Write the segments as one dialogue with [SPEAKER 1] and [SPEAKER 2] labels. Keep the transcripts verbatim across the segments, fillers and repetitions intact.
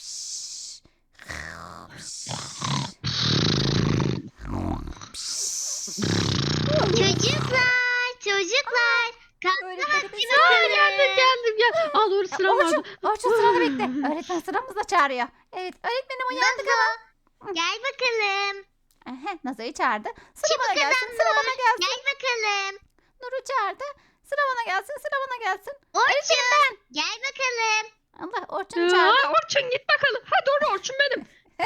[SPEAKER 1] Çocuklar, çocuklar. Kalkma
[SPEAKER 2] Öğretmenim
[SPEAKER 1] vakti
[SPEAKER 2] biz-
[SPEAKER 1] bakalım.
[SPEAKER 3] Geldim geldim gel. Aa doğru
[SPEAKER 2] Ya,
[SPEAKER 3] sıram vardı.
[SPEAKER 2] Orçun, Orçun sırada bekle. Öğretmen sıramızda çağırıyor. Evet öğretmenim uyandık ama.
[SPEAKER 1] Gel bakalım.
[SPEAKER 2] Aha, Nazo'yu çağırdı. Sıra
[SPEAKER 1] Çabuk
[SPEAKER 2] bana gelsin,
[SPEAKER 1] kızım
[SPEAKER 2] sıra
[SPEAKER 1] Nur.
[SPEAKER 2] bana gelsin.
[SPEAKER 1] Gel bakalım.
[SPEAKER 2] Nur'u çağırdı. Sıra bana gelsin, sıra bana gelsin.
[SPEAKER 1] Orçun. Gel bakalım.
[SPEAKER 2] Allah Orçun'u çağırdı.
[SPEAKER 3] Aa, Orçun git bakalım. Ha doğru Orçun benim.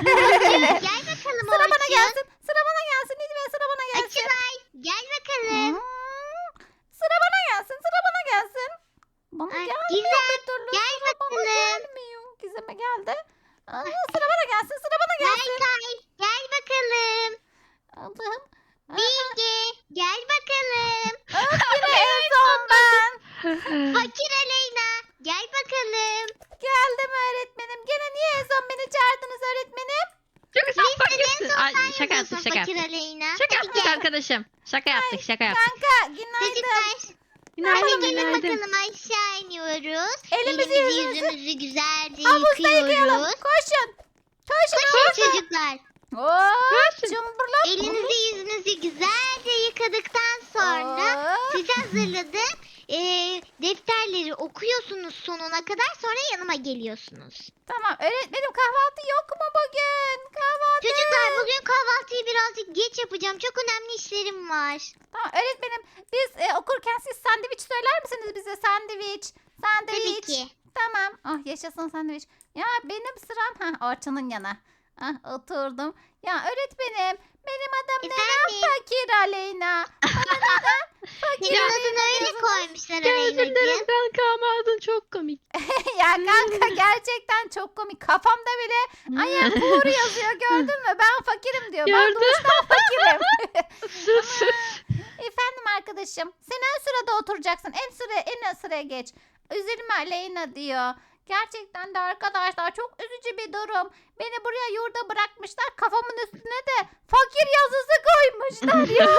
[SPEAKER 1] Gel bakalım
[SPEAKER 2] Sıra bana
[SPEAKER 1] Orçun.
[SPEAKER 2] gelsin, sıra bana gelsin. Lütfen sıra bana gelsin.
[SPEAKER 1] Açılay. Gel bakalım.
[SPEAKER 2] Hmm, Sıra bana gelsin, sıra bana gelsin. Bana
[SPEAKER 1] Ay,
[SPEAKER 2] gelmiyor
[SPEAKER 1] Gizem,
[SPEAKER 2] bir türlü.
[SPEAKER 1] gel
[SPEAKER 2] Sıra bana
[SPEAKER 1] bakalım.
[SPEAKER 2] gelmiyor. Gizem'e geldi. Aa, sıra bana gelsin, sıra bana gelsin.
[SPEAKER 1] Berkay. Gel bakalım.
[SPEAKER 2] Allah'ım. Aa,
[SPEAKER 1] Bilge. Gel bakalım.
[SPEAKER 2] Yine en son ben.
[SPEAKER 1] Fakir Aleyna. Gel bakalım.
[SPEAKER 2] Geldim öğretmenim. Gene niye en son beni çağırdınız öğretmenim?
[SPEAKER 3] Çünkü sen
[SPEAKER 1] Listede en
[SPEAKER 3] fakirsin.
[SPEAKER 1] son
[SPEAKER 3] Ay,
[SPEAKER 1] sen
[SPEAKER 3] şaka
[SPEAKER 1] yazıyorsun
[SPEAKER 3] yaptık şaka
[SPEAKER 1] Fakir
[SPEAKER 3] yaptık.
[SPEAKER 1] Aleyna.
[SPEAKER 3] Şaka
[SPEAKER 1] Hadi
[SPEAKER 3] yaptık
[SPEAKER 1] gel.
[SPEAKER 3] arkadaşım. Şaka yaptık şaka yaptık.
[SPEAKER 2] Kanka günaydın.
[SPEAKER 1] Çocuklar.
[SPEAKER 3] Günaydın
[SPEAKER 1] Hadi gelin
[SPEAKER 3] günaydın.
[SPEAKER 1] bakalım aşağı iniyoruz.
[SPEAKER 2] Elimizi
[SPEAKER 1] Elimizi
[SPEAKER 2] yüzümüzü
[SPEAKER 1] yüzümüzü güzelce
[SPEAKER 2] havuzda yıkayalım.
[SPEAKER 1] yıkıyoruz.
[SPEAKER 2] Koşun. Koşun.
[SPEAKER 1] Koşun çocuklar.
[SPEAKER 2] Oo,
[SPEAKER 3] Koşun.
[SPEAKER 2] cumburlop.
[SPEAKER 1] Elinizi yüzünüzü güzelce yıkadıktan sonra
[SPEAKER 2] Oo.
[SPEAKER 1] size hazırladığım eee, defterleri okuyorsunuz sonuna kadar, sonra yanıma geliyorsunuz.
[SPEAKER 2] Tamam öğretmenim kahvaltı yok mu bugün? Kahvaltı.
[SPEAKER 1] Çocuklar bugün kahvaltıyı birazcık geç yapacağım. Çok önemli işlerim var.
[SPEAKER 2] Tamam öğretmenim biz e, okurken siz sandviç söyler misiniz bize? Sandviç. Sandviç.
[SPEAKER 1] Tabii ki.
[SPEAKER 2] Tamam. Ah yaşasın sandviç. Ya benim sıram. Ha Orçun'un yana. Ah oturdum. Ya öğretmenim benim adım neden
[SPEAKER 1] Efendim?
[SPEAKER 2] Fakir Aleyna? Bana neden Fakir
[SPEAKER 1] Senin adını
[SPEAKER 2] Aleyna
[SPEAKER 1] öyle
[SPEAKER 2] diyorsunuz?
[SPEAKER 1] koymuşlar
[SPEAKER 3] Özür dilerim
[SPEAKER 1] Aleyna'cığım.
[SPEAKER 3] kanka ama adın çok komik.
[SPEAKER 2] Ya kanka gerçekten çok komik. Kafamda bile ayağım Uğur yazıyor gördün mü? Ben fakirim diyor. Ben
[SPEAKER 3] Gördüm.
[SPEAKER 2] doğuştan fakirim.
[SPEAKER 3] Sus sus.
[SPEAKER 2] Efendim arkadaşım sen en sırada oturacaksın. En sıra en sıraya geç. Üzülme Aleyna diyor. Gerçekten de arkadaşlar çok üzücü bir durum. Beni buraya yurda bırakmışlar. Kafamın üstüne de fakir yazısı koymuşlar ya.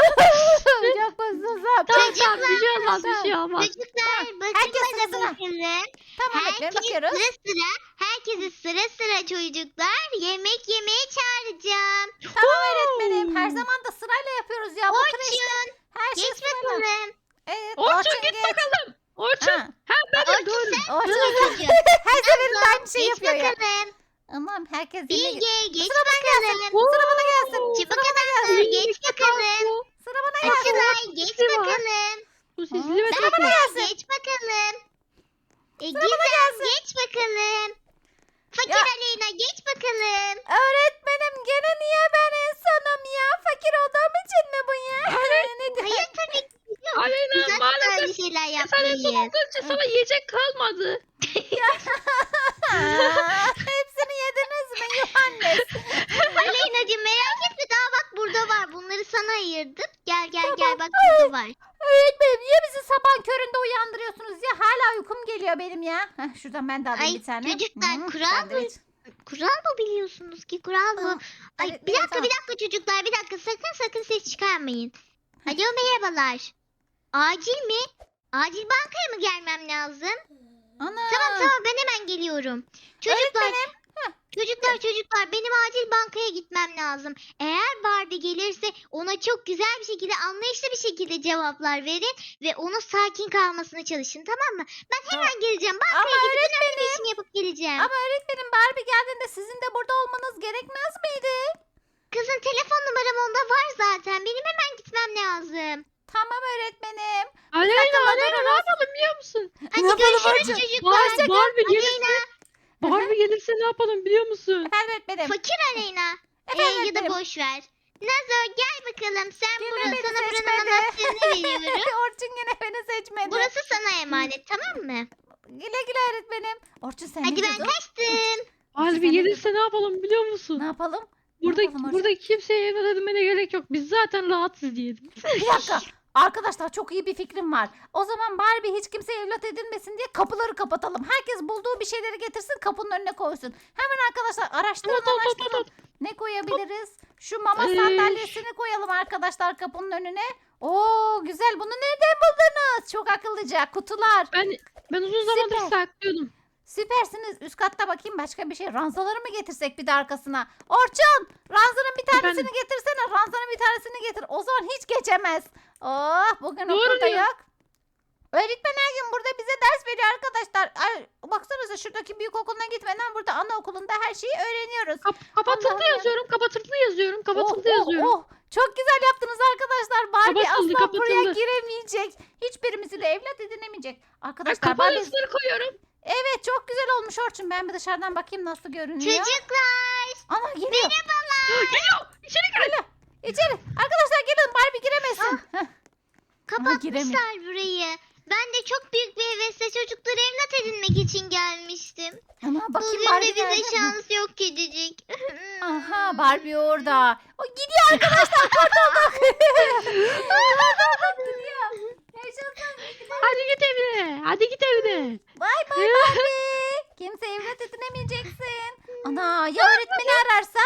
[SPEAKER 2] Çok mutsuzum.
[SPEAKER 3] Tamam tamam bir şey olmaz bir şey olmaz.
[SPEAKER 1] Çocuklar
[SPEAKER 2] Herkes
[SPEAKER 1] bakın da
[SPEAKER 2] sırasına.
[SPEAKER 1] bakalım.
[SPEAKER 2] Tamam öğretmenim
[SPEAKER 1] Herkes
[SPEAKER 2] bakıyoruz.
[SPEAKER 1] sıra sıra, herkesi sıra sıra çocuklar yemek yemeye çağıracağım.
[SPEAKER 2] Tamam öğretmenim. Her zaman da sırayla yapıyoruz ya. Bu kreşte
[SPEAKER 1] Orçun
[SPEAKER 2] her şey
[SPEAKER 1] geç
[SPEAKER 2] sırayla.
[SPEAKER 1] bakalım.
[SPEAKER 2] Evet,
[SPEAKER 3] Orçun git
[SPEAKER 2] geç.
[SPEAKER 3] bakalım. Orçun.
[SPEAKER 2] Ha,
[SPEAKER 3] Ha benim
[SPEAKER 1] Orçun
[SPEAKER 3] doğru.
[SPEAKER 1] sen
[SPEAKER 2] Orçun
[SPEAKER 1] çocuğum.
[SPEAKER 2] her seferinde aynı şey
[SPEAKER 1] Geç
[SPEAKER 2] yapıyor ya.
[SPEAKER 1] bakalım.
[SPEAKER 2] Aman herkes yerine git.
[SPEAKER 1] Bilge geç
[SPEAKER 2] Sıra bana gelsin.
[SPEAKER 1] bakalım.
[SPEAKER 2] Sıra bana gelsin.
[SPEAKER 1] Çabuk
[SPEAKER 2] Sıra bana gelsin.
[SPEAKER 1] adamlar geç bakalım.
[SPEAKER 2] Sıra bana gelsin.
[SPEAKER 1] Açılay geç
[SPEAKER 3] sesi var.
[SPEAKER 1] bakalım.
[SPEAKER 3] Bu sesli ve
[SPEAKER 2] Sıra bana
[SPEAKER 1] Berkay
[SPEAKER 2] gelsin.
[SPEAKER 1] geç bakalım. E,
[SPEAKER 2] Sıra bana
[SPEAKER 1] Gizem
[SPEAKER 2] gelsin.
[SPEAKER 1] geç bakalım. Fakir
[SPEAKER 2] Ya.
[SPEAKER 1] Aleyna geç bakalım.
[SPEAKER 2] Öğretmenim gene niye ben insanım ya? Fakir olduğum için mi bu ya? Ne diyor?
[SPEAKER 1] Hayır tabii ki. Yok.
[SPEAKER 3] Aleyna
[SPEAKER 1] Biz asla
[SPEAKER 3] maalesef
[SPEAKER 1] öyle şeyler
[SPEAKER 3] sen en son
[SPEAKER 1] yapmayız.
[SPEAKER 3] olduğunca sana yiyecek kalmadı.
[SPEAKER 2] Aa, hepsini yediniz mi Yuhannes?
[SPEAKER 1] Aleyna'cığım merak etme, daha bak burada var. Bunları sana ayırdım. Gel gel
[SPEAKER 2] Tamam.
[SPEAKER 1] gel bak burada var.
[SPEAKER 2] Öğretmenim niye bizi sabahın köründe uyandırıyorsunuz ya? Hala uykum geliyor benim ya. Heh, şuradan ben de alayım
[SPEAKER 1] Ay,
[SPEAKER 2] bir tane.
[SPEAKER 1] çocuklar,
[SPEAKER 2] Hmm,
[SPEAKER 1] kural mı?
[SPEAKER 2] sandviç.
[SPEAKER 1] Kural mı biliyorsunuz ki? Kural bu.
[SPEAKER 2] Aa,
[SPEAKER 1] Ay
[SPEAKER 2] evet,
[SPEAKER 1] bir
[SPEAKER 2] evet,
[SPEAKER 1] dakika
[SPEAKER 2] tamam.
[SPEAKER 1] bir dakika çocuklar, bir dakika, sakın sakın ses çıkarmayın. Alo merhabalar. Acil mi? Acil bankaya mı gelmem lazım?
[SPEAKER 2] Ana.
[SPEAKER 1] Tamam tamam ben hemen geliyorum. Çocuklar
[SPEAKER 2] Öğretmenim.
[SPEAKER 1] çocuklar çocuklar benim acil bankaya gitmem lazım. Eğer Barbie gelirse ona çok güzel bir şekilde, anlayışlı bir şekilde cevaplar verin ve ona sakin kalmasına çalışın, tamam mı? Ben hemen geleceğim. Bankaya
[SPEAKER 2] Ama
[SPEAKER 1] gidip önemli bir
[SPEAKER 2] öğretmenim.
[SPEAKER 1] işimi yapıp geleceğim.
[SPEAKER 2] Ama öğretmenim Barbie geldiğinde sizin de burada olmanız gerekmez miydi?
[SPEAKER 1] Kızın telefon numaram onda var zaten. Benim hemen gitmem lazım.
[SPEAKER 2] Tamam öğretmenim.
[SPEAKER 3] Aleyna
[SPEAKER 2] Sakın
[SPEAKER 3] Aleyna ne
[SPEAKER 2] durunuz.
[SPEAKER 3] yapalım biliyor musun?
[SPEAKER 1] Hadi
[SPEAKER 2] Ne yapalım
[SPEAKER 1] görüşürüz
[SPEAKER 2] Orçun?
[SPEAKER 1] çocuklar.
[SPEAKER 3] Barbie, Barbie gelirse,
[SPEAKER 1] Aleyna,
[SPEAKER 3] Barbie gelirse ne yapalım biliyor musun?
[SPEAKER 2] Efendim öğretmenim.
[SPEAKER 1] fakir Aleyna. Ee,
[SPEAKER 2] Efendim
[SPEAKER 1] ya da
[SPEAKER 2] öğretmenim.
[SPEAKER 1] boş ver. Nazo gel bakalım. Sen
[SPEAKER 2] Yine
[SPEAKER 1] burası,
[SPEAKER 2] beni
[SPEAKER 1] sana buranın
[SPEAKER 2] seçmedi.
[SPEAKER 1] anahtarını veriyorum.
[SPEAKER 2] Orçun yine beni seçmedi.
[SPEAKER 1] Burası sana emanet, tamam mı?
[SPEAKER 2] Güle güle öğretmenim. Orçun sen
[SPEAKER 1] Hadi
[SPEAKER 2] ne
[SPEAKER 1] ben
[SPEAKER 2] diyordun?
[SPEAKER 1] kaçtım.
[SPEAKER 3] Barbie gelirse ne yapalım biliyor musun?
[SPEAKER 2] Ne yapalım?
[SPEAKER 3] Burada
[SPEAKER 2] yapalım Orçun?
[SPEAKER 3] burada kimseye evlat edinmene gerek yok. Biz zaten rahatsız diyelim.
[SPEAKER 2] Bir dakika. Arkadaşlar çok iyi bir fikrim var. O zaman Barbie hiç kimse evlat edinmesin diye kapıları kapatalım. Herkes bulduğu bir şeyleri getirsin kapının önüne koysun. Hemen arkadaşlar araştırın
[SPEAKER 3] Tut, tut, tut,
[SPEAKER 2] araştırın. Ne koyabiliriz? Şu mama
[SPEAKER 3] Ee,
[SPEAKER 2] sandalyesini koyalım arkadaşlar kapının önüne. Oo güzel, bunu nereden buldunuz? Çok akıllıca kutular.
[SPEAKER 3] Ben ben uzun zamandır
[SPEAKER 2] Süper.
[SPEAKER 3] saklıyordum.
[SPEAKER 2] Süpersiniz. Üst katta bakayım başka bir şey. Ranzaları mı getirsek bir de arkasına? Orçun! Ranzanın bir tanesini
[SPEAKER 3] Efendim?
[SPEAKER 2] getirsene. Ranzanın bir tanesini getir. O zaman hiç geçemez. Oh bugün
[SPEAKER 3] Doğru
[SPEAKER 2] okulda
[SPEAKER 3] diyor.
[SPEAKER 2] yok. Öğretmen her gün burada bize ders veriyor arkadaşlar. Ay, baksanıza şuradaki büyük okuluna gitmeden burada anaokulunda her şeyi öğreniyoruz.
[SPEAKER 3] Kap- kapatıldı
[SPEAKER 2] Allah'ım.
[SPEAKER 3] yazıyorum. Kapatıldı yazıyorum. Kapatıldı
[SPEAKER 2] Oh, oh,
[SPEAKER 3] yazıyorum.
[SPEAKER 2] oh. Çok güzel yaptınız arkadaşlar. Barbie
[SPEAKER 3] Kapatıldı,
[SPEAKER 2] asla buraya
[SPEAKER 3] kapatıldı.
[SPEAKER 2] giremeyecek. Hiçbirimizi de evlat edinemeyecek.
[SPEAKER 3] Ay,
[SPEAKER 2] Arkadaşlar
[SPEAKER 3] kapalı
[SPEAKER 2] Barbie...
[SPEAKER 3] üstleri koyuyorum.
[SPEAKER 2] Evet çok güzel olmuş Orçun. Ben bir dışarıdan bakayım nasıl görünüyor.
[SPEAKER 1] Çocuklar.
[SPEAKER 2] Ana geliyor.
[SPEAKER 3] Geliyor. İçeri girin.
[SPEAKER 2] İçeri. Arkadaşlar gelin Barbie giremesin. Heh.
[SPEAKER 1] Kapatmışlar burayı. Ben de çok büyük bir hevesle çocukları evlat edinmek için gelmiştim.
[SPEAKER 2] Ana bakayım
[SPEAKER 1] Bugün
[SPEAKER 2] Barbie
[SPEAKER 1] de bize
[SPEAKER 2] nerede?
[SPEAKER 1] şans yok gidecek.
[SPEAKER 2] Aha Barbie orada. O gidiyor arkadaşlar kurtulduk. Kurtulduk gidiyor. Yaşasın.
[SPEAKER 3] Hadi git evine. Hadi git evine.
[SPEAKER 2] Bay bay Barbie. Kimse evlat edinemeyeceksin. Ana ya öğretmeni ararsa?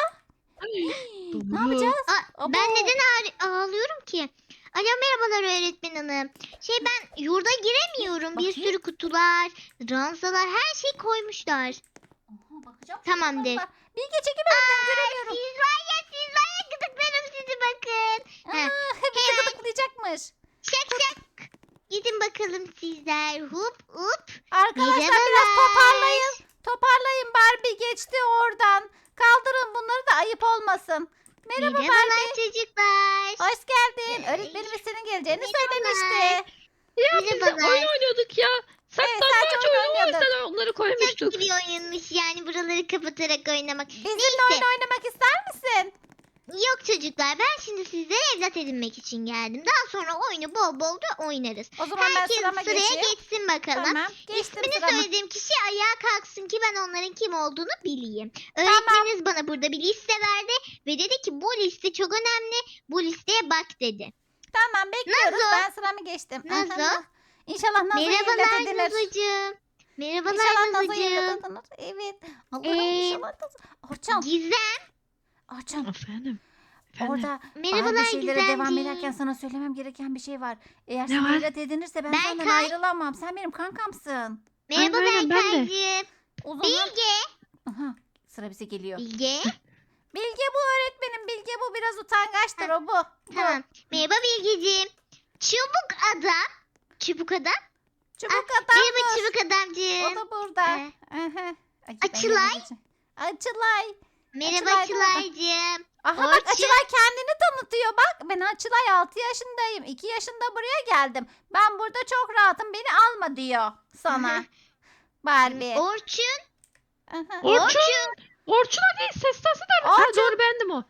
[SPEAKER 2] Ne yapacağız?
[SPEAKER 1] Aa,
[SPEAKER 2] Abo.
[SPEAKER 1] ben neden ağ- ağlıyorum ki? Alo merhabalar öğretmen hanım. Şey ben yurda giremiyorum. Bir
[SPEAKER 2] Bakayım.
[SPEAKER 1] sürü kutular, ranzalar her şey koymuşlar.
[SPEAKER 2] Aha, bakacağım.
[SPEAKER 1] Tamamdır.
[SPEAKER 2] Şurada var. Bilge çekim öğretmen göremiyorum.
[SPEAKER 1] Siz var ya siz var ya gıdıklarım sizi bakın. Heh,
[SPEAKER 2] Aa, bizi gıdıklayacakmış.
[SPEAKER 1] şak şak. Gidin bakalım sizler. Hup hup.
[SPEAKER 2] Arkadaşlar biraz
[SPEAKER 1] Merhabalar.
[SPEAKER 2] toparlayın. Toparlayın Barbie geçti oradan. Kaldırın bunları da ayıp olmasın. Merhaba
[SPEAKER 1] Merhabalar
[SPEAKER 2] Barbie.
[SPEAKER 1] çocuklar.
[SPEAKER 2] Hoş geldin. Öğretmenimiz senin geleceğini
[SPEAKER 1] Merhabalar.
[SPEAKER 2] söylemişti.
[SPEAKER 3] Ya biz de
[SPEAKER 1] Merhabalar.
[SPEAKER 3] oyun oynuyorduk ya. Saklambaç
[SPEAKER 2] sadece oyun
[SPEAKER 3] oyunu o
[SPEAKER 2] oynuyorduk.
[SPEAKER 3] yüzden onları
[SPEAKER 1] Çok
[SPEAKER 3] koymuştuk.
[SPEAKER 1] iyi bir oyunmuş yani buraları kapatarak oynamak.
[SPEAKER 2] Bizimle
[SPEAKER 1] Neyse.
[SPEAKER 2] oyun oynamak ister misin?
[SPEAKER 1] Yok çocuklar ben şimdi sizlere evlat edinmek için geldim. Daha sonra oyunu bol bol da oynarız.
[SPEAKER 2] O zaman ben
[SPEAKER 1] Herkes
[SPEAKER 2] sırama
[SPEAKER 1] sıraya
[SPEAKER 2] geçeyim.
[SPEAKER 1] geçsin bakalım.
[SPEAKER 2] Tamam. Geçtim
[SPEAKER 1] İsmini
[SPEAKER 2] sıramı.
[SPEAKER 1] söylediğim kişi ayağa kalksın ki ben onların kim olduğunu bileyim. Öğretmeniniz bana burada bir liste verdi ve dedi ki bu liste çok önemli. Bu listeye bak dedi.
[SPEAKER 2] Tamam bekliyoruz.
[SPEAKER 1] Nazo.
[SPEAKER 2] Ben sıramı geçtim.
[SPEAKER 1] Nazo.
[SPEAKER 2] Aha. İnşallah Nazo'yu evlat
[SPEAKER 1] Merhabalar
[SPEAKER 2] edinir.
[SPEAKER 1] Nazocuğum. Merhabalar
[SPEAKER 2] İnşallah Nazo'yu evlat
[SPEAKER 1] Nazocuğum.
[SPEAKER 2] edinir. Evet. Allah'ım
[SPEAKER 1] Ee,
[SPEAKER 2] inşallah Nazo. Orçun.
[SPEAKER 1] Gizem.
[SPEAKER 2] Orçun.
[SPEAKER 3] Efendim. Efendim.
[SPEAKER 2] Orada
[SPEAKER 1] Merhabalar
[SPEAKER 2] bazı şeylere devam
[SPEAKER 1] Gizemciğim.
[SPEAKER 2] ederken sana söylemem gereken bir şey var. Eğer
[SPEAKER 3] Ne
[SPEAKER 2] sen
[SPEAKER 3] var?
[SPEAKER 2] evlat edinirse ben
[SPEAKER 1] Ben
[SPEAKER 2] senden
[SPEAKER 1] Kay.
[SPEAKER 2] ayrılamam. Sen benim kankamsın.
[SPEAKER 1] Merhaba
[SPEAKER 3] aynen, ben de.
[SPEAKER 1] Berkaycığım.
[SPEAKER 2] O zaman
[SPEAKER 1] Bilge.
[SPEAKER 2] aha, sıra bize geliyor.
[SPEAKER 1] Bilge.
[SPEAKER 2] Bilge bu öğretmenim. Bilge bu biraz utangaçtır o bu. Bu.
[SPEAKER 1] Tamam. Merhaba Bilgeciğim. Çubuk adam. Çubuk adam.
[SPEAKER 2] Çubuk
[SPEAKER 1] Ah,
[SPEAKER 2] adam.
[SPEAKER 1] Merhaba
[SPEAKER 2] dur.
[SPEAKER 1] çubuk adamcığım.
[SPEAKER 2] O da burada.
[SPEAKER 1] Ee,
[SPEAKER 2] Aha. Ay, ben
[SPEAKER 1] Açılay.
[SPEAKER 2] yapamayacağım. Açılay.
[SPEAKER 1] Merhaba
[SPEAKER 2] Açılay da orada.
[SPEAKER 1] Açılaycığım.
[SPEAKER 2] Aha bak
[SPEAKER 1] Orçun.
[SPEAKER 2] Açılay kendini tanıtıyor bak. Ben Açılay altı yaşındayım. iki yaşında buraya geldim. Ben burada çok rahatım. Beni alma diyor sana. Barbie.
[SPEAKER 1] Orçun.
[SPEAKER 2] Aha.
[SPEAKER 3] Orçun. Orçun hadi ses tası da. Ha
[SPEAKER 2] Orçun.
[SPEAKER 3] doğru bendim o.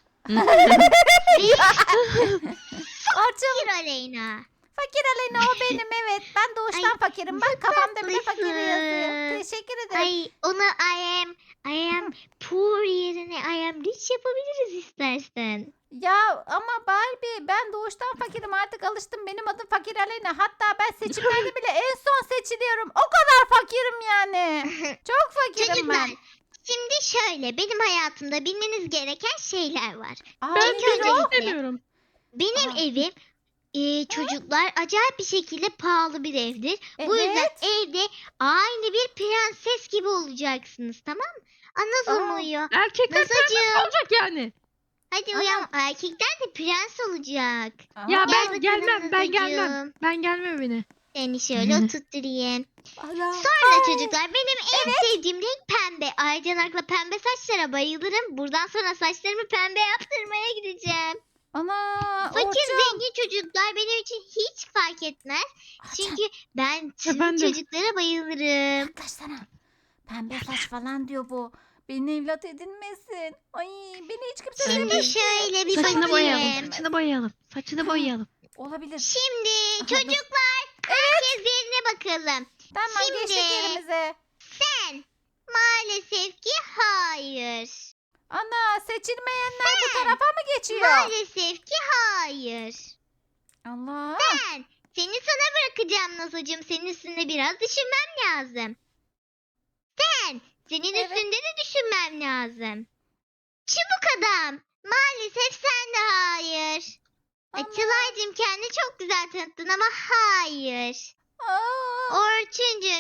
[SPEAKER 2] Orçun.
[SPEAKER 1] Bir Aleyna.
[SPEAKER 2] Fakir Aleyna o benim evet. Ben doğuştan
[SPEAKER 1] Ay,
[SPEAKER 2] fakirim. Bak kafamda bile fakir
[SPEAKER 1] tatlısın.
[SPEAKER 2] yazıyor. Teşekkür ederim.
[SPEAKER 1] Ay onu I am I am poor yerine I am rich yapabiliriz istersen.
[SPEAKER 2] Ya ama Barbie ben doğuştan fakirim artık alıştım. Benim adım Fakir Aleyna. Hatta ben seçimlerde bile en son seçiliyorum. O kadar fakirim yani. Çok fakirim
[SPEAKER 1] Çocuklar
[SPEAKER 2] ben.
[SPEAKER 1] şimdi şöyle benim hayatımda bilmeniz gereken şeyler var.
[SPEAKER 2] Aa,
[SPEAKER 3] Ben
[SPEAKER 1] İlk
[SPEAKER 2] nedir
[SPEAKER 1] önce-
[SPEAKER 2] o?
[SPEAKER 3] bilmek istemiyorum.
[SPEAKER 1] Benim
[SPEAKER 2] Aa.
[SPEAKER 1] evim e, çocuklar acayip bir şekilde pahalı bir evdir. Bu yüzden
[SPEAKER 2] Evet.
[SPEAKER 1] evde aynı bir prenses gibi olacaksınız tamam mı? Ana zor
[SPEAKER 2] Aa.
[SPEAKER 1] uyuyor.
[SPEAKER 3] Erkekler
[SPEAKER 1] Nazacığım.
[SPEAKER 3] prenses olacak yani.
[SPEAKER 1] Hadi
[SPEAKER 2] Aa.
[SPEAKER 1] uyan. Erkekler de prens olacak.
[SPEAKER 2] Aa,
[SPEAKER 3] Ya
[SPEAKER 1] Gel
[SPEAKER 3] ben
[SPEAKER 1] bakalım
[SPEAKER 3] gelmem. Ben gelmem.
[SPEAKER 1] Nazacığım.
[SPEAKER 3] Ben gelmem evine.
[SPEAKER 1] Seni şöyle oturtturayım.
[SPEAKER 2] Ana.
[SPEAKER 1] Sonra
[SPEAKER 2] Ay.
[SPEAKER 1] çocuklar benim en sevdiğim renk pembe. Aycanak'la pembe saçlara bayılırım. Buradan sonra saçlarımı pembe yaptırmaya gideceğim.
[SPEAKER 2] Ana.
[SPEAKER 1] Fakir
[SPEAKER 2] Orçun.
[SPEAKER 1] zengin çocuklar benim için hiç fark etmez.
[SPEAKER 2] Orçun,
[SPEAKER 1] Çünkü ben tüm
[SPEAKER 3] Efendim?
[SPEAKER 1] çocuklara bayılırım.
[SPEAKER 2] yaklaşsana. Pembe saç falan diyor bu. Beni evlat edinmesin. Ay beni hiç kimse
[SPEAKER 1] Şimdi
[SPEAKER 2] sevmez.
[SPEAKER 1] şöyle bir
[SPEAKER 3] Saçını boyayalım.
[SPEAKER 1] bakayım.
[SPEAKER 3] Saçını boyayalım. Saçını boyayalım.
[SPEAKER 2] Olabilir.
[SPEAKER 1] Şimdi
[SPEAKER 2] Aha,
[SPEAKER 1] çocuklar herkes yerine bakalım.
[SPEAKER 2] Tamam
[SPEAKER 1] Şimdi-
[SPEAKER 2] geçtik yerimize.
[SPEAKER 1] Sen maalesef ki hayır.
[SPEAKER 2] Ana seçilmeyenler bu tarafa mı geçiyor?
[SPEAKER 1] Maalesef ki hayır.
[SPEAKER 2] Allah.
[SPEAKER 1] Ben seni sana bırakacağım Nazocuğum. Senin üstünde biraz düşünmem lazım. Sen senin
[SPEAKER 2] Evet.
[SPEAKER 1] üstünde de düşünmem lazım. Çubuk adam. Maalesef sen de hayır.
[SPEAKER 2] Ama-
[SPEAKER 1] Açılaycığım kendini çok güzel tanıttın ama hayır.
[SPEAKER 2] Aa.
[SPEAKER 1] Orçuncum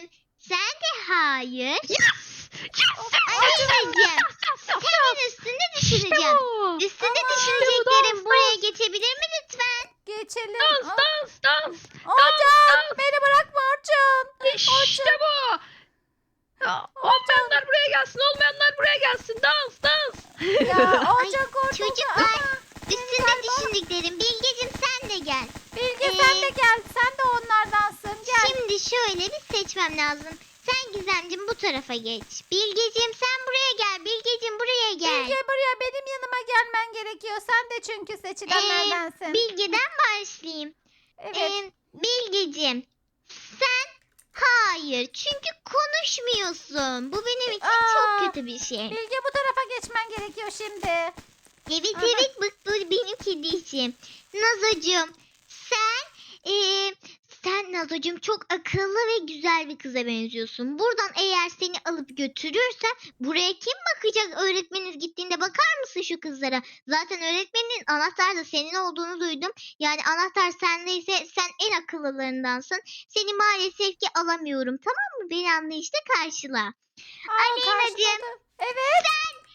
[SPEAKER 1] Sen de hayır.
[SPEAKER 3] Yes! Yes!
[SPEAKER 1] Aleyna'cığım senin üstünde düşüneceğim.
[SPEAKER 3] Bu.
[SPEAKER 1] Üstünde
[SPEAKER 2] Aman.
[SPEAKER 1] düşüneceklerim
[SPEAKER 3] Dans,
[SPEAKER 1] buraya
[SPEAKER 3] dans.
[SPEAKER 1] geçebilir mi lütfen?
[SPEAKER 2] Geçelim.
[SPEAKER 3] Dans
[SPEAKER 2] Aa,
[SPEAKER 3] dans dans.
[SPEAKER 2] Orçun beni bırakma Orçun.
[SPEAKER 3] İşte bu. Ya, olmayanlar buraya gelsin. Olmayanlar buraya gelsin. Dans dans.
[SPEAKER 2] Ya Orçun kurtuldu.
[SPEAKER 1] Çocuklar
[SPEAKER 2] Aa,
[SPEAKER 1] üstünde düşündüklerim. Bilgeciğim sen de gel.
[SPEAKER 2] Bilge
[SPEAKER 1] Ee,
[SPEAKER 2] sen de gel. Sen de onlardansın. Gel.
[SPEAKER 1] Şimdi şöyle bir seçmem lazım. Sen Gizemciğim bu tarafa geç. Bilgeciğim sen buraya gel. Bilgeciğim buraya gel.
[SPEAKER 2] Bilge buraya benim yanıma gelmen gerekiyor. Sen de çünkü seçilenlerdensin.
[SPEAKER 1] Bilgeden başlayayım.
[SPEAKER 2] Evet.
[SPEAKER 1] Ee, Bilgeciğim sen hayır. Çünkü konuşmuyorsun. Bu benim için
[SPEAKER 2] Aa,
[SPEAKER 1] çok kötü bir şey.
[SPEAKER 2] Bilge bu tarafa geçmen gerekiyor şimdi.
[SPEAKER 1] Evet
[SPEAKER 2] Aha.
[SPEAKER 1] evet bu, bu benim kediciğim. Nazocuğum sen eee, sen Nazocuğum çok akıllı ve güzel bir kıza benziyorsun. Buradan eğer seni alıp götürürsem buraya kim bakacak öğretmeniniz gittiğinde bakar mısın şu kızlara? Zaten öğretmenin anahtar da senin olduğunu duydum. Yani anahtar sendeyse sen en akıllılarındansın. Seni maalesef ki alamıyorum tamam mı? Beni anlayışla karşıla.
[SPEAKER 2] Aa,
[SPEAKER 1] Aleyna'cığım.
[SPEAKER 2] karşıladı. Evet.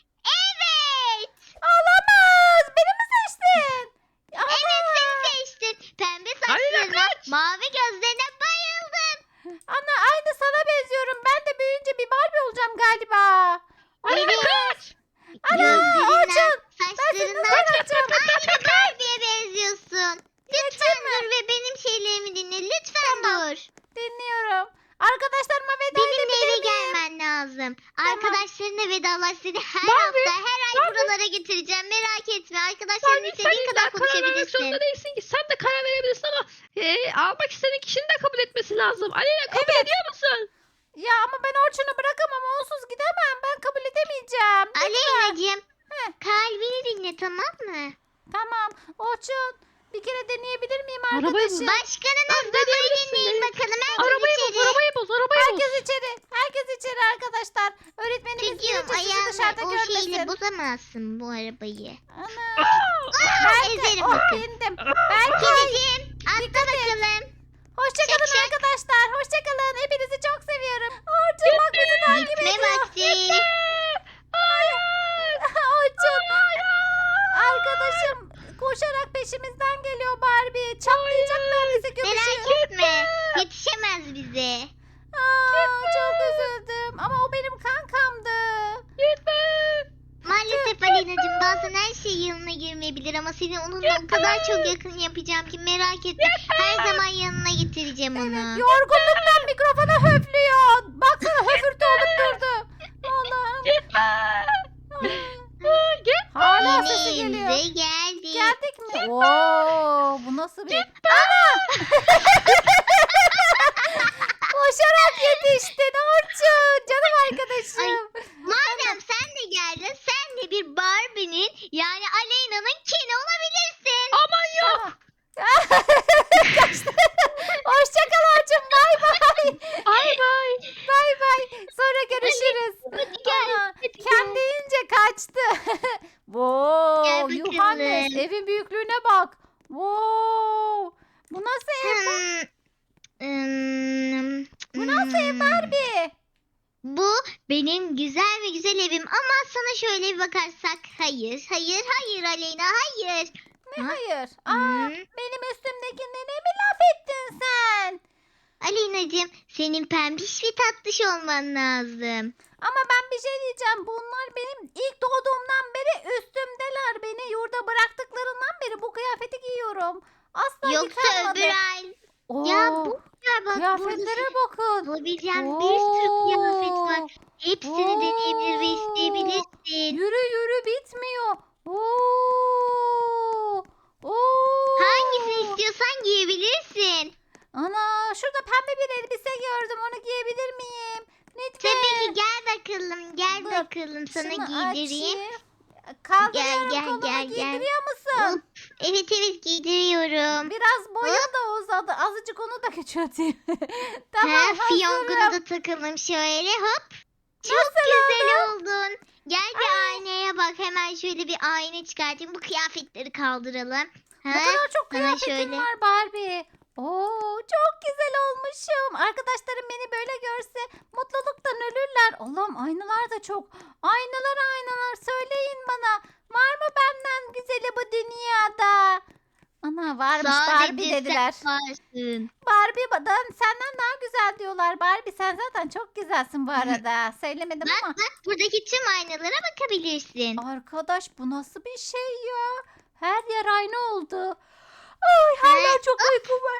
[SPEAKER 1] Evet.
[SPEAKER 2] Olamaz. Beni mi seçtin?
[SPEAKER 1] Evet
[SPEAKER 2] Ana.
[SPEAKER 1] seni seçtin. Pembe
[SPEAKER 3] Aleyna
[SPEAKER 1] saçlarına,
[SPEAKER 3] kaç.
[SPEAKER 1] mavi gözlerine bayıldım.
[SPEAKER 2] Ana aynı sana benziyorum. Ben de büyüyünce bir Barbie olacağım galiba.
[SPEAKER 3] Aleyna kaç.
[SPEAKER 2] Ana
[SPEAKER 1] Gözlerinden,
[SPEAKER 2] Orçun.
[SPEAKER 1] saçlarından aynı Barbie'ye benziyorsun. Lütfen dur ve benim şeylerimi dinle. Lütfen dur.
[SPEAKER 2] Dinliyorum. Arkadaşlarıma veda
[SPEAKER 1] Benimle
[SPEAKER 2] edebilir
[SPEAKER 1] eve
[SPEAKER 2] miyim?
[SPEAKER 1] gelmen lazım. Arkadaşlarına vedalaş seni her
[SPEAKER 3] Barbie,
[SPEAKER 1] hafta her ay
[SPEAKER 3] Barbie.
[SPEAKER 1] buralara getireceğim. Merak etme. Arkadaşlarınla
[SPEAKER 3] Sen, sen
[SPEAKER 1] istediğin
[SPEAKER 3] illa
[SPEAKER 1] kadar
[SPEAKER 3] karar vermek
[SPEAKER 1] konuşabilirsin.
[SPEAKER 3] zorunda değilsin ki. Sen de karar verebilirsin ama e, almak istediğin kişinin de kabul etmesi lazım. Aleyna kabul
[SPEAKER 2] Evet.
[SPEAKER 3] ediyor musun?
[SPEAKER 2] Ya ama ben Orçun'u bırakamam. Onsuz gidemem. Ben kabul edemeyeceğim.
[SPEAKER 1] Aleyna'cığım
[SPEAKER 2] Heh.
[SPEAKER 1] kalbini dinle tamam mı?
[SPEAKER 2] Tamam. Orçun bir kere deneyebilir miyim
[SPEAKER 3] Arabayı
[SPEAKER 2] arkadaşım?
[SPEAKER 1] Başkanın
[SPEAKER 3] Tamam,
[SPEAKER 1] hızlı
[SPEAKER 3] deneyebilirsin,
[SPEAKER 1] dinleyin
[SPEAKER 3] deneyebilirsin.
[SPEAKER 1] bakalım. Herkes
[SPEAKER 3] Arabayı
[SPEAKER 1] içeri.
[SPEAKER 3] boz, arabayı boz, arabayı boz.
[SPEAKER 2] Herkes içeri. Herkes içeri arkadaşlar. Öğretmenimiz
[SPEAKER 1] Çocuğum
[SPEAKER 2] gelince sizi
[SPEAKER 1] ayağını
[SPEAKER 2] dışarıda
[SPEAKER 1] o
[SPEAKER 2] görmesin.
[SPEAKER 1] şeyle bozamazsın bu arabayı.
[SPEAKER 2] Ana.
[SPEAKER 1] Aa, ezerim
[SPEAKER 2] Oh
[SPEAKER 1] bakın.
[SPEAKER 2] bindim. Belki.
[SPEAKER 1] Kediciğim atla
[SPEAKER 2] Dikkat et.
[SPEAKER 1] bakalım.
[SPEAKER 2] Hoşçakalın
[SPEAKER 1] Şak şak.
[SPEAKER 2] arkadaşlar. Hoşçakalın. Hepinizi çok seviyorum. Orçun bak bizi takip
[SPEAKER 1] Gitme
[SPEAKER 2] ediyor.
[SPEAKER 1] vakti.
[SPEAKER 2] Orçun. Arkadaşım koşarak peşimizden geliyor Barbie. Çatlayacaklar bizi
[SPEAKER 1] Merak
[SPEAKER 2] gömüşü.
[SPEAKER 1] etme. Yetişemez bize.
[SPEAKER 2] Aa, çok üzüldüm. Ama o benim kankamdı.
[SPEAKER 3] Gitme.
[SPEAKER 1] Maalesef Aleyna'cığım bazen her şey yanına girmeyebilir ama seni onunla o kadar çok yakın yapacağım ki merak etme. Her zaman yanına getireceğim onu.
[SPEAKER 2] Yorgunluktan mikrofona höflüyor. Baksana höfürtü olup durdu. Allah'ım.
[SPEAKER 3] Gitme. Git.
[SPEAKER 2] Hala
[SPEAKER 1] Yine
[SPEAKER 2] sesi geliyor.
[SPEAKER 1] evimize geldik.
[SPEAKER 2] Geldik mi? Oo, bu nasıl bir... Ana! Koşarak yetiştin Orçun. Canım arkadaşım.
[SPEAKER 1] Madem sen de geldin sen de bir Barbie'nin yani Aleyna'nın Ken'i olabilirsin.
[SPEAKER 3] Aman yok.
[SPEAKER 2] Kaçtı. Hoşça kal Orçun. Bay bay.
[SPEAKER 3] Bay bay.
[SPEAKER 2] Bay bay. Sonra görüşürüz.
[SPEAKER 1] Hadi gel.
[SPEAKER 2] Ana,
[SPEAKER 1] hadi gel.
[SPEAKER 2] kendince kaçtı. Wow,
[SPEAKER 1] Gel bakalım.
[SPEAKER 2] Yuhannes evin büyüklüğüne bak. Wow. Bu nasıl ev?
[SPEAKER 1] Hmm, hmm,
[SPEAKER 2] Bu nasıl ev
[SPEAKER 1] hmm.
[SPEAKER 2] Barbie?
[SPEAKER 1] Bu benim güzel ve güzel evim ama sana şöyle bir bakarsak hayır hayır hayır Aleyna hayır.
[SPEAKER 2] Ne
[SPEAKER 1] Ha?
[SPEAKER 2] hayır? Aa,
[SPEAKER 1] Hmm.
[SPEAKER 2] benim üstümdekine ne mi laf ettin sen?
[SPEAKER 1] Aleyna'cığım senin pembiş ve tatlış olman lazım.
[SPEAKER 2] Ama ben bir şey diyeceğim. Bunlar benim ilk doğduğumdan beri üstümdeler. Beni yurda bıraktıklarından beri bu kıyafeti giyiyorum. Asla
[SPEAKER 1] Yoksa
[SPEAKER 2] yıkanmadı.
[SPEAKER 1] öbür ay.
[SPEAKER 2] Oo,
[SPEAKER 1] Ya bu ya bak
[SPEAKER 2] kıyafetlere bakın.
[SPEAKER 1] bulabileceğim bir sürü kıyafet var.
[SPEAKER 2] Oo,
[SPEAKER 1] Hepsini deneyebilir ve
[SPEAKER 2] Oo.
[SPEAKER 1] isteyebilirsin.
[SPEAKER 2] Yürü yürü bitmiyor. Oo. Oo.
[SPEAKER 1] Hangisini istiyorsan giyebilirsin.
[SPEAKER 2] Ana şurada pembe bir elbise gördüm. Onu giyebilir miyim? Lütfen.
[SPEAKER 1] Tabii ki gel bakalım gel
[SPEAKER 2] Dur,
[SPEAKER 1] bakalım sana
[SPEAKER 2] Şunu
[SPEAKER 1] giydireyim.
[SPEAKER 2] açayım. Kaldırıyorum
[SPEAKER 1] Gel, gel,
[SPEAKER 2] kolumu
[SPEAKER 1] gel, gel.
[SPEAKER 2] giydiriyor musun?
[SPEAKER 1] Evet evet giydiriyorum.
[SPEAKER 2] Biraz boyum da uzadı. Azıcık onu da küçülteyim. tamam
[SPEAKER 1] ha,
[SPEAKER 2] hazırım.
[SPEAKER 1] fiyonkunu da takalım şöyle hop. Çok
[SPEAKER 2] Nasıl
[SPEAKER 1] güzel oldun. Gel bir aynaya bak. Hemen şöyle bir ayna çıkartayım. Bu kıyafetleri kaldıralım.
[SPEAKER 2] Ne
[SPEAKER 1] Ha?
[SPEAKER 2] kadar çok
[SPEAKER 1] sana
[SPEAKER 2] kıyafetin
[SPEAKER 1] şöyle.
[SPEAKER 2] var Barbie. Oo, çok güzel olmuşum. Arkadaşlarım beni böyle görse mutluluktan ölürler. Allah'ım aynalar da çok. Aynalar aynalar söyleyin bana. Var mı benden güzeli bu dünyada? Ana varmış Barbie
[SPEAKER 1] Sadece
[SPEAKER 2] dediler.
[SPEAKER 1] sen varsın.
[SPEAKER 2] Barbie'den senden daha güzel diyorlar. Barbie sen zaten çok güzelsin bu arada. Söylemedim
[SPEAKER 1] Bak
[SPEAKER 2] ama.
[SPEAKER 1] bak buradaki tüm aynalara bakabilirsin.
[SPEAKER 2] Arkadaş bu nasıl bir şey ya? Her yer aynı oldu. Ay hala
[SPEAKER 1] He,
[SPEAKER 2] çok uykum var.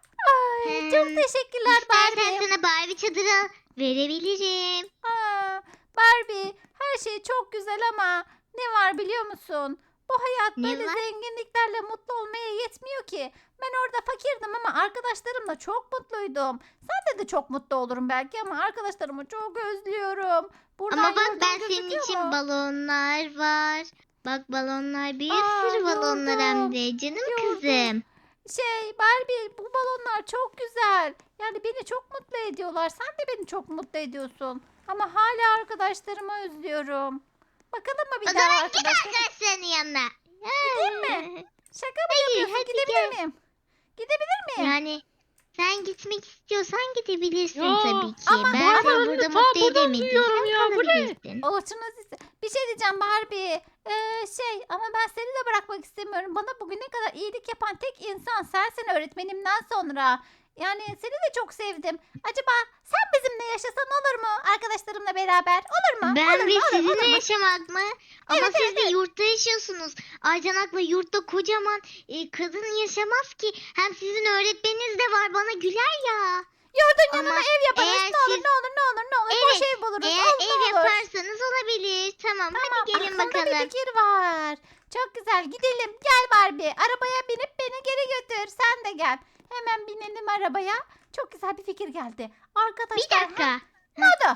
[SPEAKER 2] Ay çok
[SPEAKER 1] Hmm,
[SPEAKER 2] teşekkürler
[SPEAKER 1] İstersen
[SPEAKER 2] Barbie.
[SPEAKER 1] sana Barbie çadırı verebilirim.
[SPEAKER 2] Aa, Barbie her şey çok güzel ama ne var biliyor musun? Bu hayat
[SPEAKER 1] Ne
[SPEAKER 2] böyle
[SPEAKER 1] var?
[SPEAKER 2] zenginliklerle mutlu olmaya yetmiyor ki. Ben orada fakirdim ama arkadaşlarımla çok mutluydum. Sen de de çok mutlu olurum belki ama arkadaşlarımı çok özlüyorum. Buradan
[SPEAKER 1] Ama bak
[SPEAKER 2] yurdum
[SPEAKER 1] ben senin
[SPEAKER 2] gözüküyor
[SPEAKER 1] için
[SPEAKER 2] mu?
[SPEAKER 1] balonlar var. Bak balonlar bir
[SPEAKER 2] Aa,
[SPEAKER 1] sürü balonlar hem
[SPEAKER 2] yordum,
[SPEAKER 1] de canım
[SPEAKER 2] yordum.
[SPEAKER 1] kızım.
[SPEAKER 2] Şey Barbie bu balonlar çok güzel. Yani beni çok mutlu ediyorlar. Sen de beni çok mutlu ediyorsun. Ama hala arkadaşlarımı özlüyorum. Bakalım mı bir
[SPEAKER 1] O
[SPEAKER 2] daha
[SPEAKER 1] zaman git
[SPEAKER 2] arkadaşlar?
[SPEAKER 1] arkadaşlarının yanına.
[SPEAKER 2] Gideyim mi? Şaka mı
[SPEAKER 1] Hayır,
[SPEAKER 2] yapıyorsun?
[SPEAKER 1] hadi
[SPEAKER 2] Gidebilir
[SPEAKER 1] gel.
[SPEAKER 2] miyim? Gidebilir miyim?
[SPEAKER 1] Yani sen gitmek istiyorsan gidebilirsin
[SPEAKER 3] Ya,
[SPEAKER 1] tabii ki.
[SPEAKER 2] ama
[SPEAKER 1] ben
[SPEAKER 3] Barbie
[SPEAKER 1] seni
[SPEAKER 3] önünü
[SPEAKER 1] burada
[SPEAKER 3] ta
[SPEAKER 1] mutlu
[SPEAKER 3] buradan duyuyorum
[SPEAKER 1] edemediysem
[SPEAKER 3] ya, bu ne?
[SPEAKER 1] kalabilirsin.
[SPEAKER 2] Orçun Aziz, bir şey diyeceğim Barbie. Ee, şey ama ben seni de bırakmak istemiyorum. Bana bugüne kadar iyilik yapan tek insan sensin öğretmenimden sonra. Yani seni de çok sevdim. Acaba sen bizimle yaşasan olur mu? Arkadaşlarımla beraber. Olur mu?
[SPEAKER 1] Ben
[SPEAKER 2] olur
[SPEAKER 1] ve
[SPEAKER 2] mu? Olur,
[SPEAKER 1] sizinle
[SPEAKER 2] olur mu?
[SPEAKER 1] yaşamak mı? Ama
[SPEAKER 2] Evet,
[SPEAKER 1] siz
[SPEAKER 2] evet,
[SPEAKER 1] de
[SPEAKER 2] evet.
[SPEAKER 1] yurtta yaşıyorsunuz. Aycanak'la yurtta kocaman e, kadın yaşamaz ki. Hem sizin öğretmeniniz de var bana güler ya.
[SPEAKER 2] Yurdun
[SPEAKER 1] Ama
[SPEAKER 2] yanına ev yaparız.
[SPEAKER 1] eğer
[SPEAKER 2] Ne olur
[SPEAKER 1] siz-
[SPEAKER 2] ne olur ne olur ne olur. Boş
[SPEAKER 1] Evet,
[SPEAKER 2] ev buluruz.
[SPEAKER 1] Eğer
[SPEAKER 2] olur, ne
[SPEAKER 1] ev
[SPEAKER 2] olur.
[SPEAKER 1] yaparsanız olabilir. Tamam,
[SPEAKER 2] Tamam,
[SPEAKER 1] hadi gelin
[SPEAKER 2] aklımda
[SPEAKER 1] bakalım.
[SPEAKER 2] bir fikir var. Çok güzel gidelim. Gel Barbie. Arabaya binip beni geri götür. Sen de gel. Hemen binelim arabaya. Çok güzel bir fikir geldi.
[SPEAKER 1] Bir
[SPEAKER 2] Arkadaşlar.
[SPEAKER 1] dakika.
[SPEAKER 2] Ne oldu?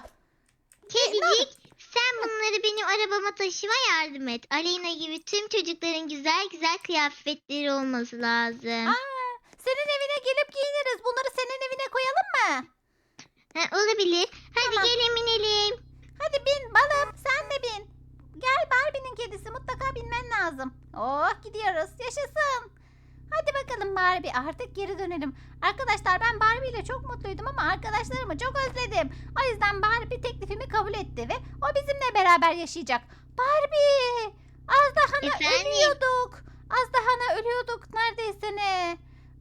[SPEAKER 1] Kedicik sen bunları benim arabama taşıma yardım et. Aleyna gibi tüm çocukların güzel güzel kıyafetleri olması lazım.
[SPEAKER 2] Aa, senin evine gelip giyiniriz. Bunları senin evine koyalım mı?
[SPEAKER 1] Ha, olabilir. Hadi
[SPEAKER 2] Tamam.
[SPEAKER 1] gelin binelim.
[SPEAKER 2] Hadi bin balım. Sen de bin. Gel Barbie'nin kedisi. Mutlaka binmen lazım. Oh gidiyoruz. Yaşasın. Hadi bakalım Barbie. Artık geri dönelim. Arkadaşlar ben Barbie ile çok mutluydum ama arkadaşlarımı çok özledim. O yüzden Barbie teklifimi kabul etti ve o bizimle beraber yaşayacak. Barbie! Az daha ne
[SPEAKER 1] Efendim?
[SPEAKER 2] ölüyorduk. Az daha ne ölüyorduk neredeyse ne.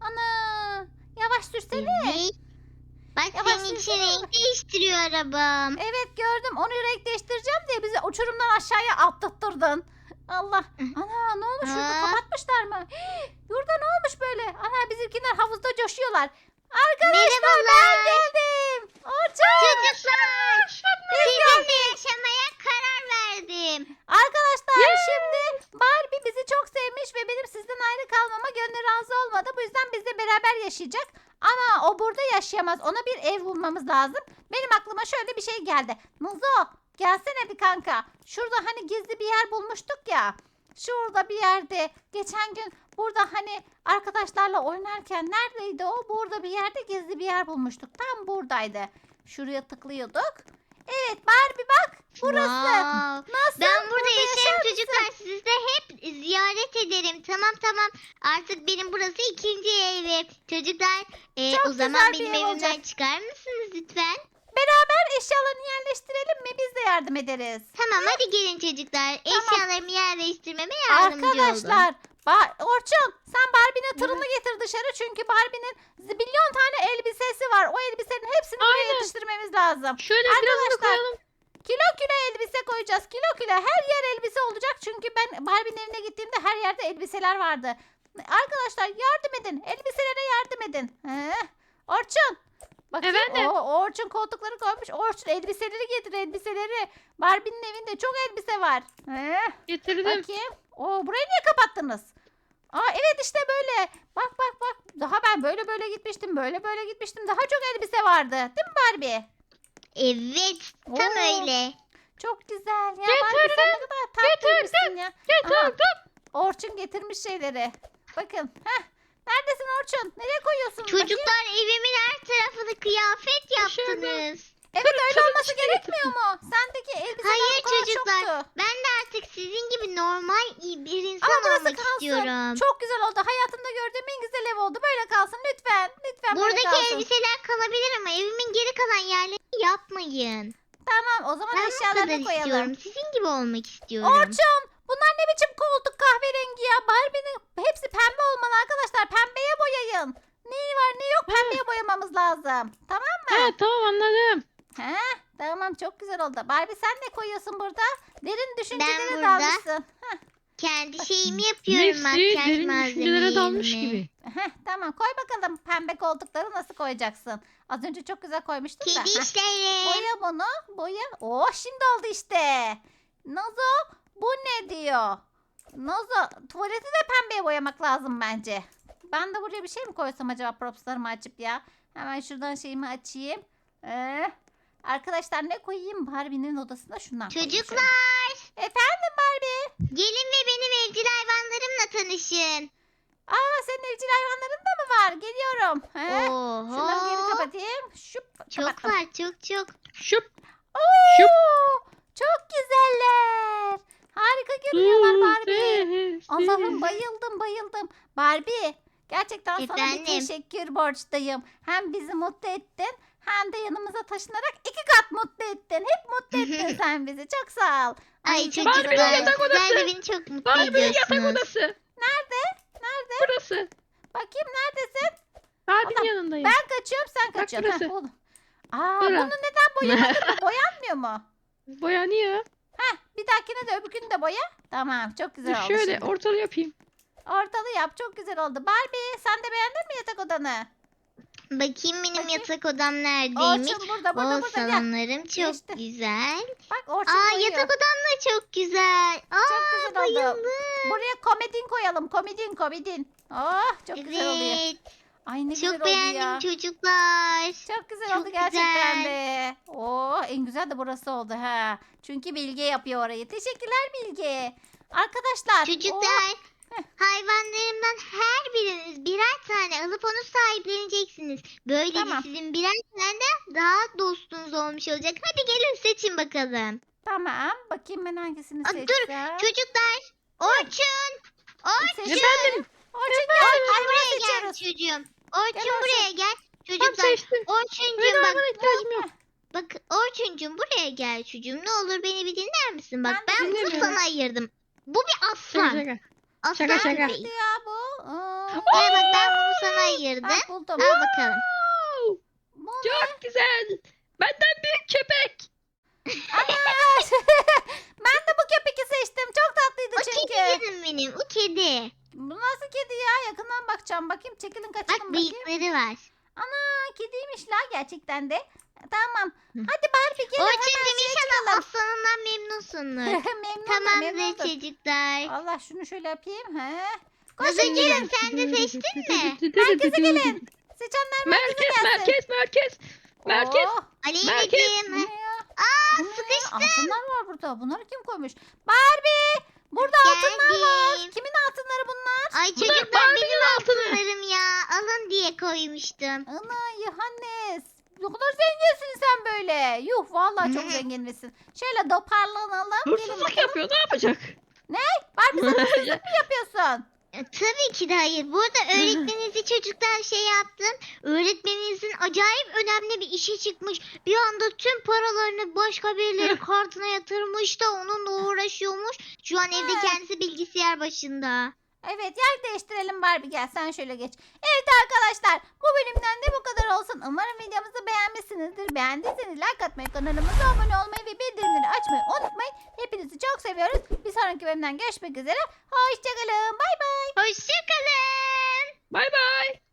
[SPEAKER 2] Ana! Yavaş sürsene.
[SPEAKER 1] Evet. Bak
[SPEAKER 2] Yavaş
[SPEAKER 1] senin için
[SPEAKER 2] sürsene.
[SPEAKER 1] renk değiştiriyor arabam.
[SPEAKER 2] Evet gördüm. Onu renk değiştireceğim diye bizi uçurumdan aşağıya atlattırdın. Allah. Ana ne olmuş şurada
[SPEAKER 1] Aa.
[SPEAKER 2] kapatmışlar mı? Hii, Yurda ne olmuş böyle? Ana bizimkiler havuzda coşuyorlar. Arkadaşlar ben
[SPEAKER 1] Merhabalar.
[SPEAKER 2] geldim. Orçun.
[SPEAKER 1] Çocuklar sizinle yaşamaya karar verdim.
[SPEAKER 2] Arkadaşlar şimdi Barbie bizi çok sevmiş ve benim sizden ayrı kalmama gönlü razı olmadı. Bu yüzden bizle beraber yaşayacak. Ama o burada yaşayamaz. Ona bir ev bulmamız lazım. Benim aklıma şöyle bir şey geldi. Muzo gelsene bir kanka. Şurada hani gizli bir yer bulmuştuk ya. Şurada bir yerde. Geçen gün burada hani arkadaşlarla oynarken neredeydi o? Burada bir yerde gizli bir yer bulmuştuk. Tam buradaydı. Şuraya tıklıyorduk. Evet Barbie bak. Burası.
[SPEAKER 1] Wow.
[SPEAKER 2] Nasıl?
[SPEAKER 1] Ben burada
[SPEAKER 2] yaşar
[SPEAKER 1] yaşarım
[SPEAKER 2] mısın?
[SPEAKER 1] çocuklar. Sizi de hep ziyaret ederim. Tamam tamam. Artık benim burası ikinci evim. Çocuklar e,
[SPEAKER 2] Çok
[SPEAKER 1] o zaman
[SPEAKER 2] güzel bir
[SPEAKER 1] benim
[SPEAKER 2] ev
[SPEAKER 1] evimden
[SPEAKER 2] olacak.
[SPEAKER 1] çıkar mısınız lütfen?
[SPEAKER 2] Beraber eşyalarını yerleştirelim mi? Biz de yardım ederiz.
[SPEAKER 1] Tamam hadi gelin çocuklar.
[SPEAKER 2] Tamam.
[SPEAKER 1] Eşyalarımı yerleştirmeme yardımcı olun.
[SPEAKER 2] Arkadaşlar. Ba- Orçun sen Barbie'nin tırını getir dışarı. Çünkü Barbie'nin zibilyon tane elbisesi var. O elbisenin hepsini buraya
[SPEAKER 3] Aynen.
[SPEAKER 2] yetiştirmemiz lazım.
[SPEAKER 3] Şöyle birazını
[SPEAKER 2] Arkadaşlar,
[SPEAKER 3] koyalım.
[SPEAKER 2] Kilo kilo elbise koyacağız. Kilo kilo her yer elbise olacak. Çünkü ben Barbie'nin evine gittiğimde her yerde elbiseler vardı. Arkadaşlar yardım edin. Elbiselere yardım edin. He. Orçun. Bakayım.
[SPEAKER 3] Efendim?
[SPEAKER 2] Oo, Orçun koltukları koymuş. Orçun elbiseleri getir elbiseleri. Barbie'nin evinde çok elbise var. He.
[SPEAKER 3] Getirdim.
[SPEAKER 2] Bakayım. Oo, burayı niye kapattınız? Aa evet işte böyle. Bak bak bak. Daha ben böyle böyle gitmiştim. Böyle böyle gitmiştim. Daha çok elbise vardı. Değil mi Barbie?
[SPEAKER 1] Evet tam
[SPEAKER 2] Oo.
[SPEAKER 1] öyle.
[SPEAKER 2] Çok güzel ya.
[SPEAKER 3] Getirdim,
[SPEAKER 2] Barbie sen ne kadar tatlıymışsın ya. Aha,
[SPEAKER 3] Getirdim.
[SPEAKER 2] Orçun getirmiş şeyleri. Bakın. Heh. Neredesin Orçun? Nereye koyuyorsun? Bakayım.
[SPEAKER 1] Çocuklar evimin her tarafını kıyafet yaptınız.
[SPEAKER 2] Evet öyle olması gerekmiyor mu? Sendeki elbiseler
[SPEAKER 1] Hayır
[SPEAKER 2] bu kadar
[SPEAKER 1] çocuklar.
[SPEAKER 2] çoktu.
[SPEAKER 1] Ben de her artık sizin gibi normal iyi bir insan
[SPEAKER 2] Ama burası
[SPEAKER 1] olmak
[SPEAKER 2] kalsın.
[SPEAKER 1] istiyorum.
[SPEAKER 2] Çok güzel oldu. Hayatımda gördüğüm en güzel ev oldu. Böyle kalsın lütfen. Lütfen böyle
[SPEAKER 1] Buradaki
[SPEAKER 2] kalsın.
[SPEAKER 1] elbiseler kalabilir ama evimin geri kalan yerlerini yapmayın.
[SPEAKER 2] Tamam o zaman
[SPEAKER 1] Ben bu kadar
[SPEAKER 2] eşyalarını koyalım.
[SPEAKER 1] istiyorum. Sizin gibi olmak istiyorum.
[SPEAKER 2] Orçun bunlar ne biçim koltuk kahverengi ya? Barbie'nin hepsi pembe olmalı arkadaşlar. Pembeye boyayın. Ne var ne yok pembeye boyamamız lazım. Tamam mı?
[SPEAKER 3] Evet tamam anladım.
[SPEAKER 2] He, tamam çok güzel oldu. Barbie sen ne koyuyorsun burada? Derin düşüncelere
[SPEAKER 1] burada
[SPEAKER 2] dalmışsın.
[SPEAKER 1] Kendi şeyimi yapıyorum.
[SPEAKER 3] Nefsi
[SPEAKER 1] Makyaj
[SPEAKER 3] derin düşüncelere dalmış
[SPEAKER 1] malzemelerimi.
[SPEAKER 3] gibi.
[SPEAKER 2] Heh, tamam koy bakalım pembe koltukları nasıl koyacaksın? Az önce çok güzel koymuştun da.
[SPEAKER 1] Kedi
[SPEAKER 2] Heh,
[SPEAKER 1] işleri.
[SPEAKER 2] boya bunu boya. Oh şimdi oldu işte. Nazo bu ne diyor? Nazo tuvaleti de pembeye boyamak lazım bence. Ben de buraya bir şey mi koysam acaba propslarımı açıp ya? Hemen şuradan şeyimi açayım. Ee, arkadaşlar ne koyayım? Barbie'nin odasına şundan koyayım şöyle.
[SPEAKER 1] Çocuklar
[SPEAKER 2] Efendim Barbie?
[SPEAKER 1] gelin ve benim evcil hayvanlarımla tanışın.
[SPEAKER 2] Aa senin evcil hayvanların da mı var? Geliyorum. He? Şunları geri
[SPEAKER 1] Oho.
[SPEAKER 2] kapatayım. Şup,
[SPEAKER 1] Çok
[SPEAKER 2] kapattım.
[SPEAKER 1] var çok çok.
[SPEAKER 3] Şup.
[SPEAKER 2] Oo, çok güzeller. Harika görünüyorlar Barbie. Allah'ım bayıldım bayıldım. Barbie gerçekten sana bir
[SPEAKER 1] Efendim?
[SPEAKER 2] teşekkür borçluyum. Hem bizi mutlu ettin hem de yanımıza taşınarak iki kat mutlu ettin. Hep mutlu ettin sen bizi. Çok sağ ol.
[SPEAKER 1] Ay
[SPEAKER 2] çok
[SPEAKER 1] çocuklar
[SPEAKER 3] Barbie'nin yatak
[SPEAKER 1] sizler
[SPEAKER 3] odası.
[SPEAKER 1] de beni çok mutlu
[SPEAKER 3] Barbie'nin yatak
[SPEAKER 1] ediyorsunuz.
[SPEAKER 3] odası.
[SPEAKER 2] Nerede? Nerede?
[SPEAKER 3] Burası.
[SPEAKER 2] Bakayım neredesin?
[SPEAKER 3] Barbie'nin
[SPEAKER 2] Adam,
[SPEAKER 3] yanındayım.
[SPEAKER 2] Ben kaçıyorum sen
[SPEAKER 3] Bak
[SPEAKER 2] kaçıyorsun. Heh,
[SPEAKER 3] burası.
[SPEAKER 2] oğlum. Aa,
[SPEAKER 3] Bura.
[SPEAKER 2] bunu neden boyamadın mı? Boyanmıyor mu?
[SPEAKER 3] Boyanıyor.
[SPEAKER 2] Heh, bir dahakine de öbürkünü de boya. Tamam çok güzel oldu
[SPEAKER 3] Şöyle
[SPEAKER 2] şimdi.
[SPEAKER 3] ortalı yapayım.
[SPEAKER 2] Ortalı yap çok güzel oldu. Barbie sen de beğendin mi yatak odanı?
[SPEAKER 1] Bakayım benim
[SPEAKER 2] Bakayım.
[SPEAKER 1] yatak odam neredeymiş.
[SPEAKER 2] Orçun burada burada
[SPEAKER 1] O
[SPEAKER 2] burada gel.
[SPEAKER 1] salonlarım çok
[SPEAKER 2] İşte.
[SPEAKER 1] güzel.
[SPEAKER 2] Bak Orçun
[SPEAKER 1] Aa
[SPEAKER 2] koyuyor.
[SPEAKER 1] yatak odam da çok güzel. Aa
[SPEAKER 2] Çok güzel oldu.
[SPEAKER 1] bayıldım.
[SPEAKER 2] Buraya komedin koyalım. Komedin komedin. Oh çok güzel oluyor.
[SPEAKER 1] Evet.
[SPEAKER 2] Ay ne güzel
[SPEAKER 1] Çok
[SPEAKER 2] oldu
[SPEAKER 1] beğendim
[SPEAKER 2] ya.
[SPEAKER 1] çocuklar.
[SPEAKER 2] Çok güzel
[SPEAKER 1] Çok
[SPEAKER 2] oldu gerçekten
[SPEAKER 1] güzel.
[SPEAKER 2] de. Oh en güzel de burası oldu ha. Çünkü Bilge yapıyor orayı. Teşekkürler Bilge. Arkadaşlar.
[SPEAKER 1] Çocuklar
[SPEAKER 2] Heh.
[SPEAKER 1] hayvanlarımdan her biriniz birer tane alıp onu sahipleneceksiniz. Böylece
[SPEAKER 2] Tamam.
[SPEAKER 1] sizin birer tane de daha dostunuz olmuş olacak. Hadi gelin seçin bakalım.
[SPEAKER 2] Tamam. Bakayım ben hangisini
[SPEAKER 1] Aa,
[SPEAKER 2] seçsem.
[SPEAKER 1] dur çocuklar. Orçun. Orçun.
[SPEAKER 2] Seçtim.
[SPEAKER 3] Efendim.
[SPEAKER 2] Orçun gel.
[SPEAKER 1] Orçun
[SPEAKER 2] Hayvan
[SPEAKER 1] buraya gel
[SPEAKER 2] seçiyoruz.
[SPEAKER 1] çocuğum. Orçun
[SPEAKER 2] Gel Orçun.
[SPEAKER 1] buraya gel.
[SPEAKER 3] Tam
[SPEAKER 1] Çocuklar.
[SPEAKER 3] seçtim.
[SPEAKER 1] Orçuncuğum
[SPEAKER 3] Benim
[SPEAKER 1] bak.
[SPEAKER 3] hayvana ihtiyacım yok.
[SPEAKER 1] Bak Orçuncuğum buraya gel çocuğum. Ne olur beni bir dinler misin? Bak
[SPEAKER 2] Ben de
[SPEAKER 1] ben, bunu
[SPEAKER 3] dinlemiyorum.
[SPEAKER 1] sana ayırdım. Bu bir
[SPEAKER 3] Şaka
[SPEAKER 1] aslan.
[SPEAKER 3] şaka.
[SPEAKER 1] Aslan
[SPEAKER 3] şaka, şaka.
[SPEAKER 1] değil.
[SPEAKER 2] Ya bu. Aa,
[SPEAKER 1] Gel bak ben bunu sana ayırdım.
[SPEAKER 2] ha, buldum.
[SPEAKER 1] Al bakalım.
[SPEAKER 3] Wow,
[SPEAKER 2] Bu ne?
[SPEAKER 3] çok güzel. Benden büyük köpek.
[SPEAKER 2] Ana! Ben de bu köpeki seçtim. Çok tatlıydı
[SPEAKER 1] O
[SPEAKER 2] çünkü.
[SPEAKER 1] kedi canım benim. O kedi.
[SPEAKER 2] Bu nasıl kedi ya? Yakından bakacağım. Bakayım çekilin kaçalım
[SPEAKER 1] Bak
[SPEAKER 2] bakayım.
[SPEAKER 1] bıyıkları var.
[SPEAKER 2] Ana kediymiş la gerçekten de. Tamam.
[SPEAKER 1] Hı.
[SPEAKER 2] Hadi Barbie gelin hemen
[SPEAKER 1] Orçuncuğum
[SPEAKER 2] şeye
[SPEAKER 1] inşallah
[SPEAKER 2] çıkalım.
[SPEAKER 1] aslanından memnunsunuz.
[SPEAKER 2] Memnunum
[SPEAKER 1] Tamamdır
[SPEAKER 2] memnunum.
[SPEAKER 1] çocuklar.
[SPEAKER 2] Allah şunu şöyle yapayım. He.
[SPEAKER 1] Nazıcığım sen de seçtin mi?
[SPEAKER 2] Merkeze gelin. Seçenler merkeze
[SPEAKER 3] Merkez,
[SPEAKER 2] gelsin.
[SPEAKER 3] merkez, merkez. Merkez.
[SPEAKER 2] Oo,
[SPEAKER 1] Aleyna'cığım.
[SPEAKER 2] bu ne ya?
[SPEAKER 1] Aa
[SPEAKER 2] Bu ne ya?
[SPEAKER 1] sıkıştım.
[SPEAKER 2] Altınlar var burada. Bunları kim koymuş? Barbie! Burada altınlar var.
[SPEAKER 1] Geldim.
[SPEAKER 2] Kimin altınları bunlar?
[SPEAKER 1] Ay
[SPEAKER 3] Bunlar
[SPEAKER 1] çocuklar
[SPEAKER 3] Barbie'nin
[SPEAKER 1] benim
[SPEAKER 3] altını.
[SPEAKER 1] altınlarım ya. Alın diye koymuştum.
[SPEAKER 2] Ana Yohannes. Ne kadar zenginsin sen böyle. Yuh vallahi çok
[SPEAKER 1] Hı.
[SPEAKER 2] zenginmişsin. Şöyle toparlanalım. Gelin
[SPEAKER 3] Hırsızlık
[SPEAKER 2] bakalım.
[SPEAKER 3] yapıyor. Ne yapacak?
[SPEAKER 2] Barbie sen hırsızlık mı yapıyorsun?
[SPEAKER 1] E, Tabii ki de hayır. Burada öğretmeninizi çocuklar şey yaptım. Öğretmeninizin acayip önemli bir işi çıkmış. Bir anda tüm paralarını başka birileri kartına yatırmış da onunla uğraşıyormuş. Şu an evde
[SPEAKER 2] Ha.
[SPEAKER 1] kendisi bilgisayar başında.
[SPEAKER 2] Evet yer değiştirelim Barbie gel sen şöyle geç. Evet arkadaşlar bu bölümden de bu kadar olsun. Umarım videomuzu beğenmişsinizdir. Beğendiyseniz like atmayı, kanalımıza abone olmayı ve bildirimleri açmayı unutmayın. Hepinizi çok seviyoruz. Bir sonraki bölümden görüşmek üzere. Hoşçakalın. Bay bay.
[SPEAKER 1] Hoşçakalın.
[SPEAKER 3] Bay bay.